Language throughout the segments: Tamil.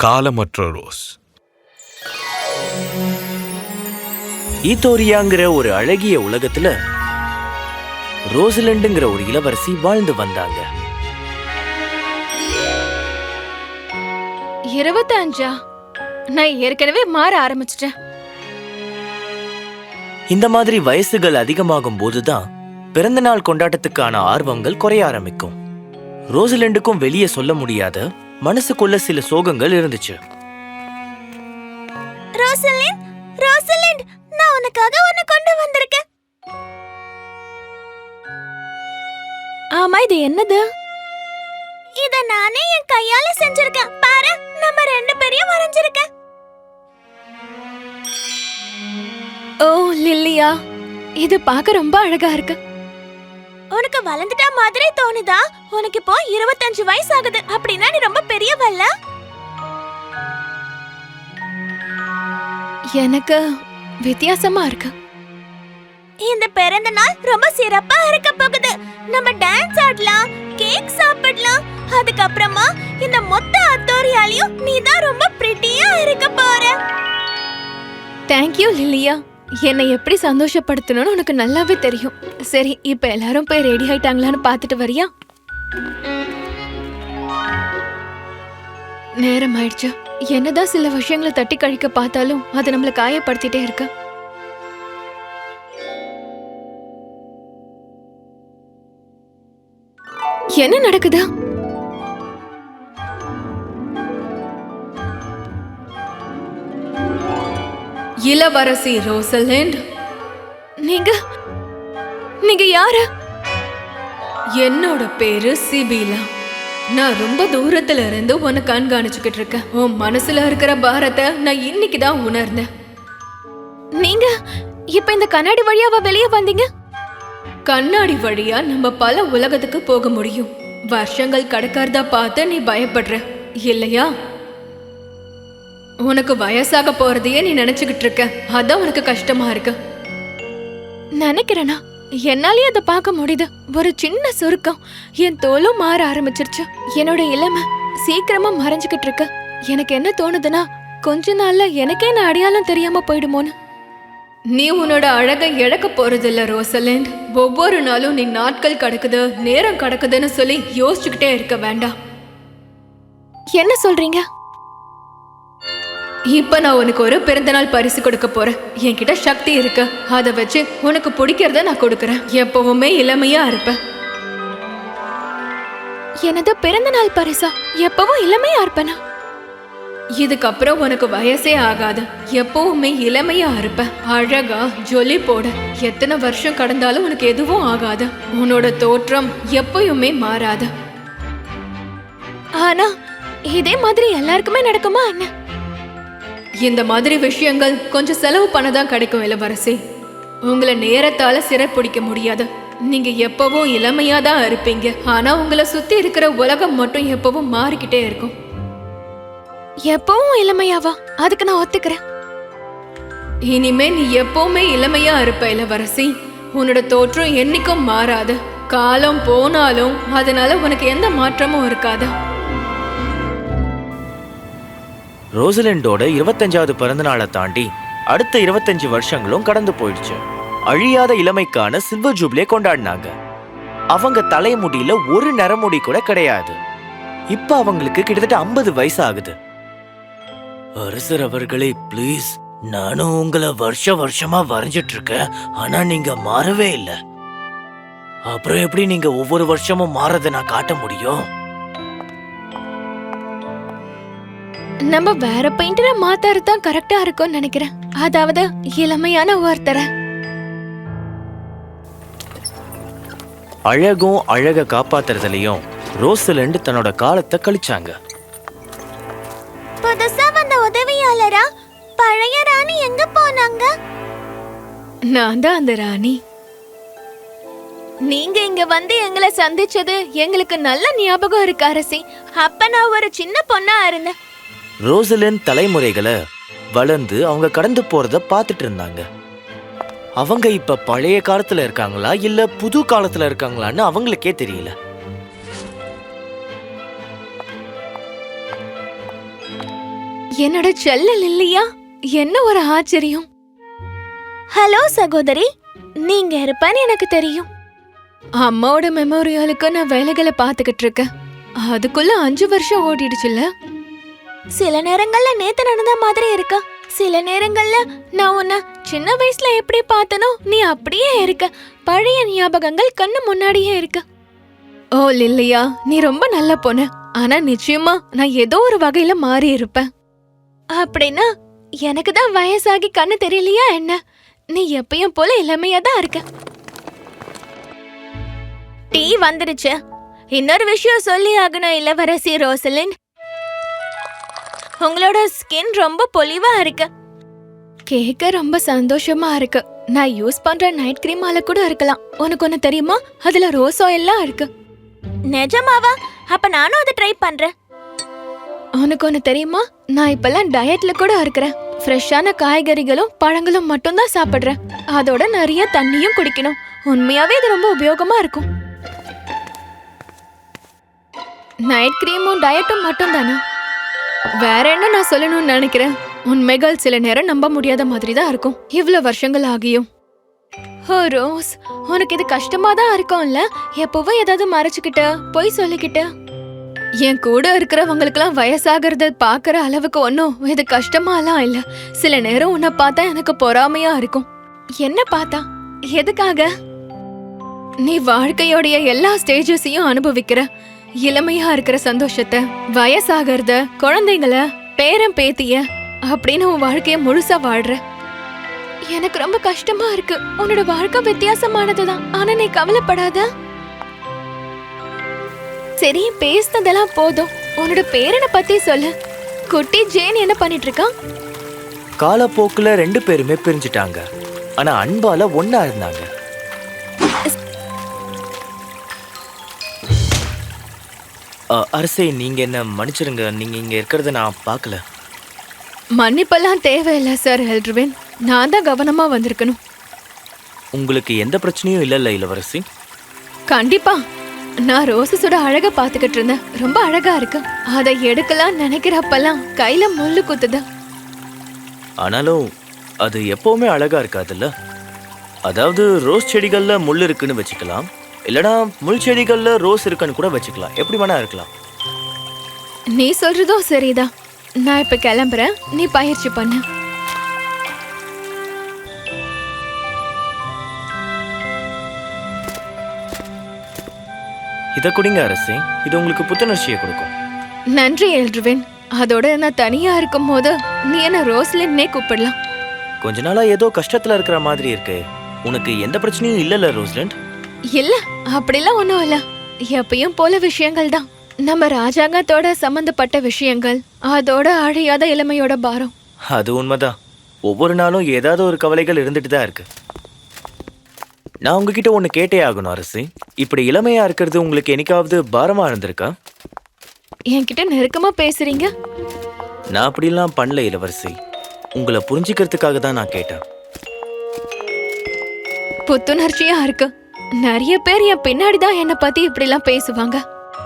காலமற்ற ரோஸ். ஈத்தோரியாங்கிற ஒரு அழகிய உலகத்துல ரோசலண்டுங்கிற ஒரு இளவரசி வாழ்ந்து வந்தாங்க. 25 நான் ஏற்கனவே மாற ஆரம்பிச்சிட்டேன். இந்த மாதிரி வயசுகள் அதிகமாகும் போதுதான் பிறந்த நாள் கொண்டாட்டத்துக்கான ஆர்வங்கள் குறைய ஆரம்பிக்கும். ரோசலண்டுக்கும் வெளியே சொல்ல முடியாத மனசுக்குள்ள சில சோகங்கள் இருந்துச்சு. ரோசலிண்ட், ரோசலிண்ட், நான் உனக்காக ஒன்னு கொண்டு வந்திருக்கேன். ஆமா, இது என்னது? இத நானே என் கையால செஞ்சிருக்கேன். பாரு, நம்ம ரெண்டு பேரையும் வரைஞ்சிருக்கேன். ஓ லில்லியா, இது பார்க்க ரொம்ப அழகா இருக்கு. உனக்கு வளர்ந்துட்ட மாதிரி தோணுதா? உனக்கு இப்போ 25 வயசு ஆகுது. அப்படின்னா நீ ரொம்ப பெரியவல்ல? எனக்கு வித்தியாசமா இருக்கு. இந்த பிறந்த நாள் ரொம்ப சிறப்பா இருக்க போகுது. நம்ம டான்ஸ் ஆடலாம், கேக் சாப்பிடலாம். அதுக்கப்புறமா இந்த மொத்த அத்தோரியாலையும் நீ தான் ரொம்ப பிரிட்டியா இருக்க போற. தேங்க்யூ லில்லியா. என்னை எப்படி சந்தோஷப்படுத்தணும்னு உனக்கு நல்லாவே தெரியும். சரி, இப்ப எல்லாரும் போய் ரெடி ஆயிட்டாங்களான்னு பாத்துட்டு வரியா? நேரம் ஆயிடுச்சு. என்னதான் சில விஷயங்களை தட்டி கழிக்க பார்த்தாலும் அது நம்மள காயப்படுத்திட்டே இருக்கு. என்ன நடக்குது? இளவரசி ரோசலிண்ட், நீங்க யாரு? என்னோட பேரு சிபிலா. நான் ரொம்ப தூரத்துல இருந்து உன்னை கண்காணிச்சுக்கிட்டு இருக்கேன். உன் மனசுல இருக்கிற பாரத்தை நான் இன்னைக்கு தான் உணர்ந்தேன். நீங்க இப்ப இந்த கண்ணாடி வழியாவா வெளியே வந்தீங்க? கண்ணாடி வழியா நம்ம பல உலகத்துக்கு போக முடியும். வருஷங்கள் கடக்கிறதா பார்த்து நீ பயப்படுற இல்லையா? உனக்கு வயசாக போறதையே நீ நினைச்சுக்கிட்டு இருக்க. அதான் உனக்கு கஷ்டமா இருக்கு. நினைக்கிறேனா? என்னாலயே அதை பார்க்க முடியுது. ஒரு சின்ன சுருக்கம், என் தோலும் மாற ஆரம்பிச்சிருச்சு. என்னோட இளமை சீக்கிரமா மறைஞ்சுக்கிட்டு இருக்கு. எனக்கு என்ன தோணுதுன்னா, கொஞ்ச நாள்ல எனக்கே நான் அடையாளம் தெரியாம போயிடுமோன்னு. நீ உன்னோட அழகை இழக்க போறதில்ல ரோசலிண்ட். ஒவ்வொரு நாளும் நீ நாட்கள் கடக்குது, நேரம் கடக்குதுன்னு சொல்லி யோசிச்சுக்கிட்டே இருக்க வேண்டாம். என்ன சொல்றீங்க? இப்ப நான் உனக்கு ஒரு பிறந்தநாள் பரிசு கொடுக்க போறேன். என்கிட்ட சக்தி இருக்கு. அதை வச்சு உனக்கு பிடிக்கிறத நான் கொடுக்கறேன். எப்பவுமே இளமையா இருப்பேன். எனது பிறந்த நாள் பரிசா? எப்பவும் இளமையா இருப்பேனா? இதுக்கப்புறம் உனக்கு வயசே ஆகாது. எப்பவுமே இளமையா இருப்ப. அழகா ஜொலி போட. எத்தனை வருஷம் கடந்தாலும் உனக்கு எதுவும் ஆகாது. உன்னோட தோற்றம் எப்பயுமே மாறாது. ஆனா இதே மாதிரி எல்லாருக்குமே நடக்குமா என்ன? இந்த மாதிரி விஷயங்கள் கொஞ்சம் செலவு பண்ணதான் கிடைக்கும் இளவரசி. உங்களை நேரத்தால சிறைப்பிடிக்க முடியாது. நீங்க எப்பவும் இளமையா தான் இருப்பீங்க. ஆனா உங்களை சுத்தி இருக்கிற உலகம் மட்டும் எப்பவும் மாறிக்கிட்டே இருக்கும். எப்பவும் இளமையாவா? அதுக்கு நான் ஒத்துக்கிறேன். இனிமே நீ எப்பவுமே இளமையா இருப்ப இளவரசி. உன்னோட தோற்றம் என்னைக்கும் மாறாது. காலம் போனாலும் அதனால உனக்கு எந்த மாற்றமும் இருக்காது. ரோசலண்டோட 25வது பிறந்த நாளை தாண்டி அடுத்த 25 வருஷங்களும் கடந்து போயிடுச்சு. அழியாத இளமைக்கான சில்வர் ஜூப்ளியை கொண்டாடினாங்க. அவங்க தலைமுடியில ஒரு நரமுடி கூட கிடையாது. இப்ப அவங்களுக்கு கிட்டத்தட்ட 50 வயசு ஆகுது. அரசர் அவர்களே, பிளீஸ், நானும் உங்களை வருஷமா வரைஞ்சிட்டு இருக்கேன். ஆனா நீங்க மாறவே இல்லை. அப்புறம் எப்படி நீங்க ஒவ்வொரு வருஷமும் மாறதை நான் காட்ட முடியும்? நம்ம வேற பெயிண்டரை மாத்தாரு தான் கரெக்டா இருக்கும்னு நினைக்கிறேன். அதாவது இளமையான ஒருத்தரை. அழகும் அழக காப்பாத்துறதுலயும் ரோசலண்ட் தன்னோட காலத்தை கழிச்சாங்க. புதுசா வந்த உதவியாளரா பழைய ராணி எங்க போனாங்க? நான் தான் அந்த ராணி. நீங்க இங்க வந்து எங்களை சந்திச்சது எங்களுக்கு நல்ல ஞாபகம் இருக்கு அரசி. அப்ப நான் ஒரு சின்ன பொண்ணா இருந்தேன். ரோசலிண்ட் தலைமுறைகளை வளர்ந்து அவங்க கடந்து போறத பார்த்துட்டு இருந்தாங்க. அவங்க இப்ப பழைய காலத்துல இருக்காங்களா இல்ல புது காலத்துல இருக்காங்களான்னு அவங்களுக்கே தெரியல. என்னோட செல்ல லில்லியா, என்ன ஒரு ஆச்சரியம். ஹலோ சகோதரி, நீங்க இருப்பேன்னு எனக்கு தெரியும். அம்மாவோட மெமோரியலுக்கு நான் வேலைகளை பாத்துக்கிட்டு இருக்கேன். அதுக்குள்ள 5 வருஷம் ஓடிடுச்சுல்ல. சில நேரங்கள்ல நேத்து நடந்த மாதிரி இருக்கா, சில நேரங்கள்ல நான் உன்னை சின்ன வயசுல எப்படி பார்த்தனோ நீ அப்படியே இருக்க. பழைய ஞாபகங்கள் கண்ணு முன்னாடியே இருக்கு. ஓ லில்லியா, நீ ரொம்ப நல்ல பொண்ணு. ஆனா நிச்சயமா நான் ஏதோ ஒரு வகையில மாறி இருப்பேன். அப்படின்னா எனக்கு தான் வயசாகி கண்ணு தெரியலையா என்ன? நீ எப்பயும் போல இளமையா தான் இருக்க. டீ வந்துருச்சு. இன்னொரு விஷயம் சொல்லி ஆகணும் இளவரசி ரோசலின், உங்களோட ஸ்கின் ரொம்ப பொலிவா இருக்கு. கேட்க ரொம்ப சந்தோஷமா இருக்கு. நான் யூஸ் பண்ற நைட் கிரீமால கூட இருக்கலாம். உனக்கு ஒண்ணு தெரியுமா, அதுல ரோஸ் ஆயில்லாம் இருக்கு. நிஜமாவா? அப்ப நானும் அதை ட்ரை பண்றேன். உனக்கு ஒண்ணு தெரியுமா, நான் இப்பெல்லாம் டயட்ல கூட இருக்கிறேன். ஃப்ரெஷ்ஷான காய்கறிகளும் பழங்களும் மட்டும்தான் சாப்பிடுறேன். அதோட நிறைய தண்ணியும் குடிக்கணும். உண்மையாவே இது ரொம்ப உபயோகமா இருக்கும். நைட் கிரீமும் டயட்டும் மட்டும் தானே, வேற என்ன நான் சொல்லணும்னு நினைக்கிறேன். உண்மைகள் சில நேரம் நம்ப முடியாத மாதிரி தான் இருக்கும், இவ்வளவு வருஷங்கள் ஆகியும். ஓ ரோஸ், உனக்கு இது கஷ்டமா தான் இருக்கும்ல? எப்பவும் ஏதாவது மறைச்சுக்கிட்ட, பொய் சொல்லிக்கிட்ட. என் கூட இருக்கிறவங்களுக்கெல்லாம் வயசாகிறத பாக்குற அளவுக்கு ஒன்னும் இது கஷ்டமாலாம் இல்ல. சில நேரம் உன்னை பார்த்தா எனக்கு பொறாமையா இருக்கும். என்ன பார்த்தா? எதுக்காக? நீ வாழ்க்கையோடைய எல்லா ஸ்டேஜஸையும் அனுபவிக்கிற. இளமையா இருக்கிற சந்தோஷத்தை, வயசாகிறத, குழந்தைங்கள, பேரன் பேத்திய அப்படின்னு உன் வாழ்க்கைய முழுசா வாழ்ற. எனக்கு ரொம்ப கஷ்டமா இருக்கு. உன்னோட வாழ்க்கை வித்தியாசமானதுதான், ஆனா நீ கவலைப்படாத. சரி, பேசினதெல்லாம் போதும். உன்னோட பேரனை பத்தி சொல்லு. குட்டி ஜேன் என்ன பண்ணிட்டு இருக்கா? காலப்போக்குல 2 பேருமே பிரிஞ்சிட்டாங்க. ஆனா அன்பால ஒண்ணா இருந்தாங்க. அரசே, நீங்க என்ன மன்னிச்சிருங்க. நீங்க இங்க இருக்கிறத நான் பார்க்கல. மன்னிப்பெல்லாம் தேவையில்லை சார் எல்ட்ரிவின். நான் தான் கவனமா வந்திருக்கணும். உங்களுக்கு எந்த பிரச்சனையும் இல்லைல்ல இளவரசி? கண்டிப்பா. நான் ரோசஸோட அழக பாத்துக்கிட்டு இருந்தேன். ரொம்ப அழகா இருக்கு. அதை எடுக்கலாம் நினைக்கிறப்பெல்லாம் கையில முள்ளு குத்துது. ஆனாலும் அது எப்பவுமே அழகா இருக்காதுல்ல. அதாவது ரோஸ் செடிகள்ல முள் இருக்குன்னு வச்சுக்கலாம், இல்லனா முள் செடிகள்ல ரோஸ் இருக்குன்னு கூட வச்சுக்கலாம். எப்படி வேணா இருக்கலாம். நீ சொல்றதும் சரிதான். நான் இப்ப கிளம்புறேன், நீ பயிற்சி பண்ணு. இத குடிங்க அரசே, இது உங்களுக்கு புத்துணர்ச்சியை கொடுக்கும். நன்றி எல்ட்ரிவின். அதோட நான் தனியா இருக்கும் போது நீ என்ன ரோஸ்லின்னே கூப்பிடலாம். கொஞ்ச நாளா ஏதோ கஷ்டத்துல இருக்கிற மாதிரி இருக்கு. உனக்கு எந்த பிரச்சனையும் இல்லல ரோஸ்லிண்ட்? இல்ல, அப்படிலாம் ஒண்ணும் இல்ல. எப்பயும் போல விஷயங்கள் தான். நம்ம ராஜாங்கத்தோட சம்பந்தப்பட்ட விஷயங்கள், அதோட அழியாத இளமையோட பாரம். அது உண்மைதான். ஒவ்வொரு நாளும் ஏதாவது ஒரு கவலைகள் இருந்துட்டு தான் இருக்கு. நான் உங்ககிட்ட ஒண்ணு கேட்டே ஆகணும் அரசே. இப்படி இளமையா இருக்கிறது உங்களுக்கு என்னைக்காவது பாரமா இருந்திருக்கா? என்கிட்ட நெருக்கமா பேசுறீங்க. நான் அப்படிலாம் பண்ணல இளவரசி. உங்களை புரிஞ்சுக்கிறதுக்காக தான் நான் கேட்டேன். புத்துணர்ச்சியா இருக்கு. நிறைய பேர் என் பின்னாடி தான் என்னை பத்தி இப்படிலாம் பேசுவாங்க.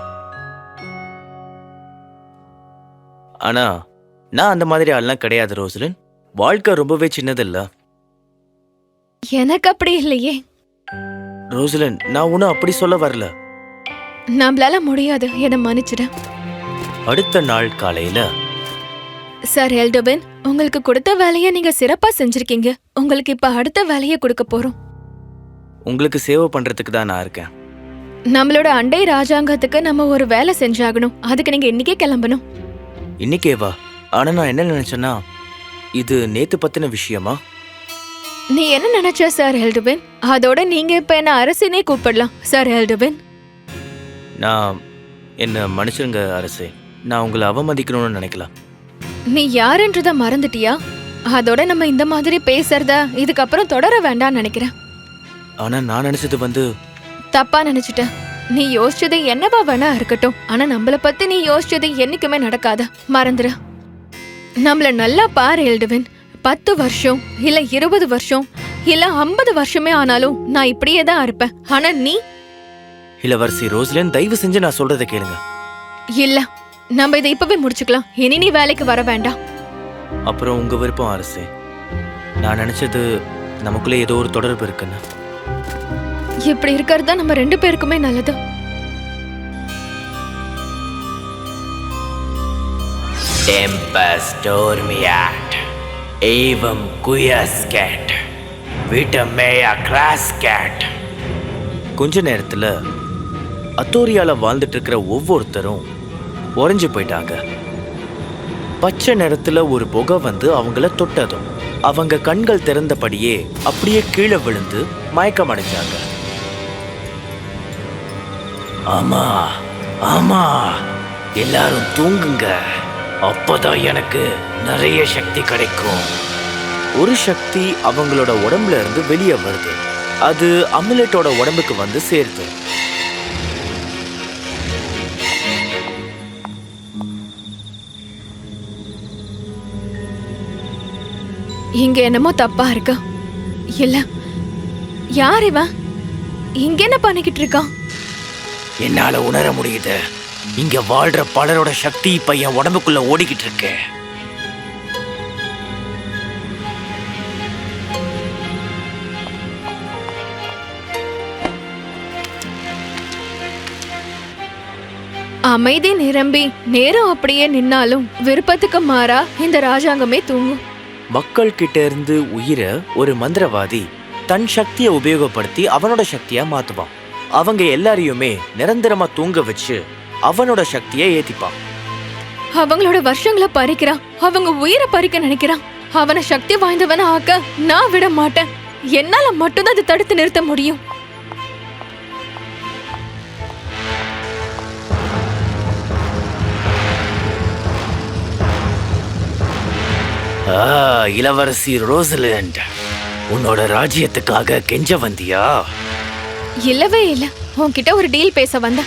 ஆனா நான் அந்த மாதிரி ஆள்லாம் கிடையாது ரோஸ்லின். வாழ்க்கை ரொம்பவே சின்னதில்ல. எனக்கு அப்படி இல்லையே ரோஸ்லின். நான் ஒன்னும் அப்படி சொல்ல வரல. நம்மளால முடியாது, என்னை மன்னிச்சிட. அடுத்த நாள் காலையில, சார் எல்டோபின், உங்களுக்கு கொடுத்த வேலையை நீங்க சிறப்பா செஞ்சிருக்கீங்க. உங்களுக்கு இப்ப அடுத்த வேலையை கொடுக்க போறோம். உங்களுக்கு சேவை பண்றதுக்கு தான் நான் இருக்கேன். நம்மளோட அண்டை ராஜாங்கத்துக்கு நம்ம ஒரு வேலை செஞ்சாகணும். அதுக்கு நீங்க இன்னைக்கே கிளம்பணும். இன்னைக்கேவா? ஆனா நான் என்ன நினைச்சேன்னா, இது நேத்து பத்தின விஷயமா? நீ என்ன நினைச்ச சார் எல்டோபின்? அதோட நீங்க இப்ப என்ன அரசினே கூப்பிடலாம் சார் எல்டோபின். நான் என்ன மன்னிச்சிருங்க அரசே. நான் உங்களை அவமதிக்கணும்னு நினைக்கலாம். நீ யாருன்றத மறந்துட்டியா? அதோட நம்ம இந்த மாதிரி பேசுறத இதுக்கப்புறம் தொடர வேண்டாம்னு நினைக்கிறேன். ஆனா நான் நினைச்சது தப்பா நினைச்சிட்டேன். நீ யோசிச்சது என்னவா வேணா இருக்கட்டும், ஆனா நம்மள பத்தி நீ யோசிச்சது என்னைக்குமே நடக்காத, மறந்துரு. நம்மள நல்லா பாரு எல்டோபின். 10 வருஷம் இல்ல 20 வருஷம் இல்ல 50 வருஷமே ஆனாலும் நான் இப்படியே தான் இருப்பேன். ஆனா நீ? இளவரசி ரோஸ்லின், தயவு செஞ்சு நான் சொல்றதை கேளுங்க. இல்ல, நம்ம இதை இப்பவே முடிச்சுக்கலாம். இனி நீ வேலைக்கு வர வேண்டாம். அப்புறம் உங்க விருப்பம் அரசே. நான் நினைச்சது நமக்குள்ள ஏதோ ஒரு தொடர்பு இருக்குன்னு. இப்படி இருக்கிறது தான் நம்ம 2 பேருக்குமே நல்லது. Tempus dormiat, evam quiescat, vitam mea crascat. கொஞ்ச நேரத்துல அத்தோரியால வாழ்ந்துட்டு இருக்கிற ஒவ்வொருத்தரும் உறைஞ்சு போயிட்டாங்க. பச்சை நிறத்துல ஒரு புகை வந்து அவங்கள தொட்டதும் அவங்க கண்கள் திறந்தபடியே அப்படியே கீழே விழுந்து மயக்கம் அடைஞ்சாங்க. ஆமா ஆமா, எல்லாரும் தூங்குங்க, அப்பதான் எனக்கு நிறைய சக்தி கிடைக்கும். ஒரு சக்தி அவங்களோட உடம்புல இருந்து வெளியே வருது. அது அமுலெட்டோட உடம்புக்கு வந்து சேருது. இங்க என்னமோ தப்பா இருக்கு. இல்ல, யார் இவன்? இங்க என்ன பண்ணிக்கிட்டு இருக்கான்? என்னால உணர முடியுது. இங்க வாழ்ற பலரோட சக்தி இப்ப என் உடம்புக்குள்ள ஓடிக்கிட்டு இருக்கு. அமைதி நிரம்பி நேரம் அப்படியே நின்னாலும் விருப்பத்துக்கு மாறா இந்த ராஜாங்கமே தூங்கும். மக்கள் கிட்ட இருந்து உயிரை ஒரு மந்திரவாதி தன் சக்தியை உபயோகப்படுத்தி அவனோட சக்தியா மாத்துவான். அவங்க எல்லாரையுமே நிரந்தரமா தூங்க வச்சு அவனோட சக்தியை ஏத்திப்பான். அவங்களோட வருஷங்களை பறிக்கிறான். அவங்க உயிரை பறிக்க நினைக்கிறான். அவனை சக்தி வாய்ந்தவன ஆக்க நான் விட மாட்டேன். என்னால மட்டும்தான் அதை தடுத்து நிறுத்த முடியும். இளவரசி ரோசலிண்ட், உன்னோட ராஜ்யத்துக்காக கெஞ்ச வந்தியா? இல்லவே இல்ல, உன்கிட்ட ஒரு டீல் பேச வந்த.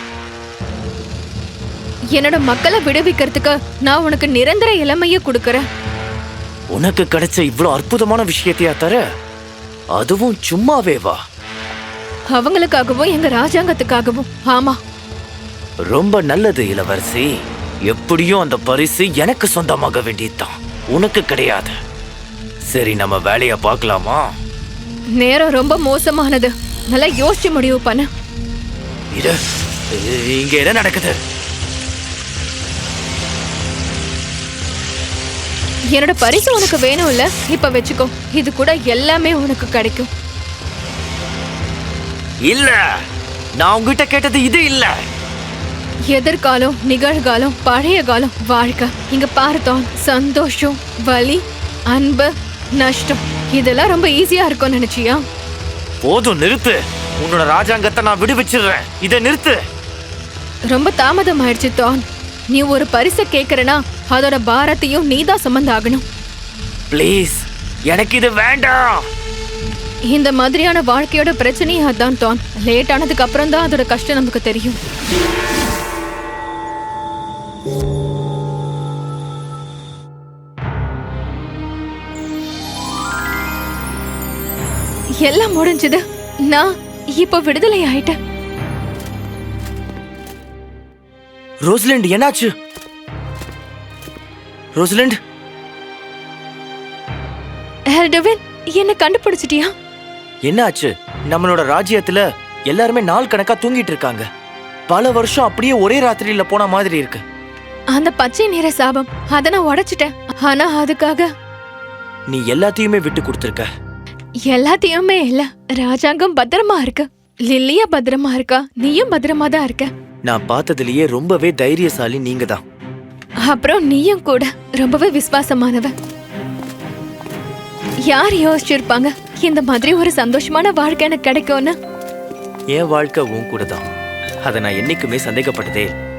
என்னோட மக்களை விடுவிக்கிறதுக்கு நான் உனக்கு நிரந்தர இளமைய கொடுக்கறேன். உனக்கு கிடைச்ச இவ்வளவு அற்புதமான விஷயத்தையா தர? அதுவும் சும்மாவே வா? அவங்களுக்காகவும் எங்க ராஜாங்கத்துக்காகவும். ஆமா. ரொம்ப நல்லது இளவரசி. எப்படியும் அந்த பரிசு எனக்கு சொந்தமாக வேண்டியதுதான், உனக்கு கிடையாது. சரி, நம்ம வேலைய பார்க்கலாமா? நேரம் ரொம்ப மோசமானது. நல்லா யோசிச்சு முடிவு பண்ண. இங்க என்ன நடக்குது? என்னோட பரிசு உனக்கு வேணும் இல்ல? இப்ப வச்சுக்கோ. இது கூட எல்லாமே உனக்கு கிடைக்கும். இல்ல, நான் உங்ககிட்ட கேட்டது இது இல்ல. எதிர்காலம், நிகழ்காலம், பழைய காலம், வாழ்க்கை. இங்க பார்த்தோம். சந்தோஷம், வலி, அன்பு, நஷ்டம், இதெல்லாம் ரொம்ப ஈஸியா இருக்கும் நினைச்சியா? போதும், நிறுத்து. உன்னோட ராஜாங்கத்தை நான் விடுவிச்சிடுறேன். இதை நிறுத்து. ரொம்ப தாமதம் ஆயிடுச்சு தான். நீ ஒரு பரிசை கேக்குறனா அதோட பாரத்தையும் நீதான் சுமந்தாகணும். ப்ளீஸ், எனக்கு இது வேண்டாம். இந்த மாதிரியான வாழ்க்கையோட பிரச்சனையே அதான் தான். லேட் ஆனதுக்கு அப்புறம் தான் அதோட கஷ்டம் நமக்கு தெரியும். எல்லாம் முடிஞ்சது. நான் இப்ப விடுதலை ஆயிட்டேன். ரோசலிண்ட், என்னாச்சு? ரோசலிண்ட், எல்டவின், என்ன கண்டுபிடிச்சிட்டியா? என்னாச்சு? நம்மளோட ராஜ்யத்துல எல்லாருமே நாள் கணக்கா தூங்கிட்டு இருக்காங்க. பல வருஷம் அப்படியே ஒரே ராத்திரியில போன மாதிரி இருக்கு. அந்த பச்சை நிற சாபம், அத நான் உடைச்சிட்டேன். ஆனா அதுக்காக நீ எல்லாத்தையுமே விட்டு கொடுத்திருக்க. எல்லாத்தையுமே இல்ல. ராஜாங்கம் பத்திரமா இருக்கு. லில்லியா பத்திரமா இருக்கா. நீயும் பத்திரமா தான் இருக்க. நான் பார்த்ததுலயே ரொம்பவே தைரியசாலி நீங்க தான். அப்புறம் நீயும் கூட ரொம்பவே விசுவாசமானவ. யார் யோசிச்சிருப்பாங்க இந்த மாதிரி ஒரு சந்தோஷமான வாழ்க்கை எனக்கு கிடைக்கும்னு? என் வாழ்க்கை உன் கூட தான். அதை நான் என்னைக்குமே சந்தேகப்பட்டதே.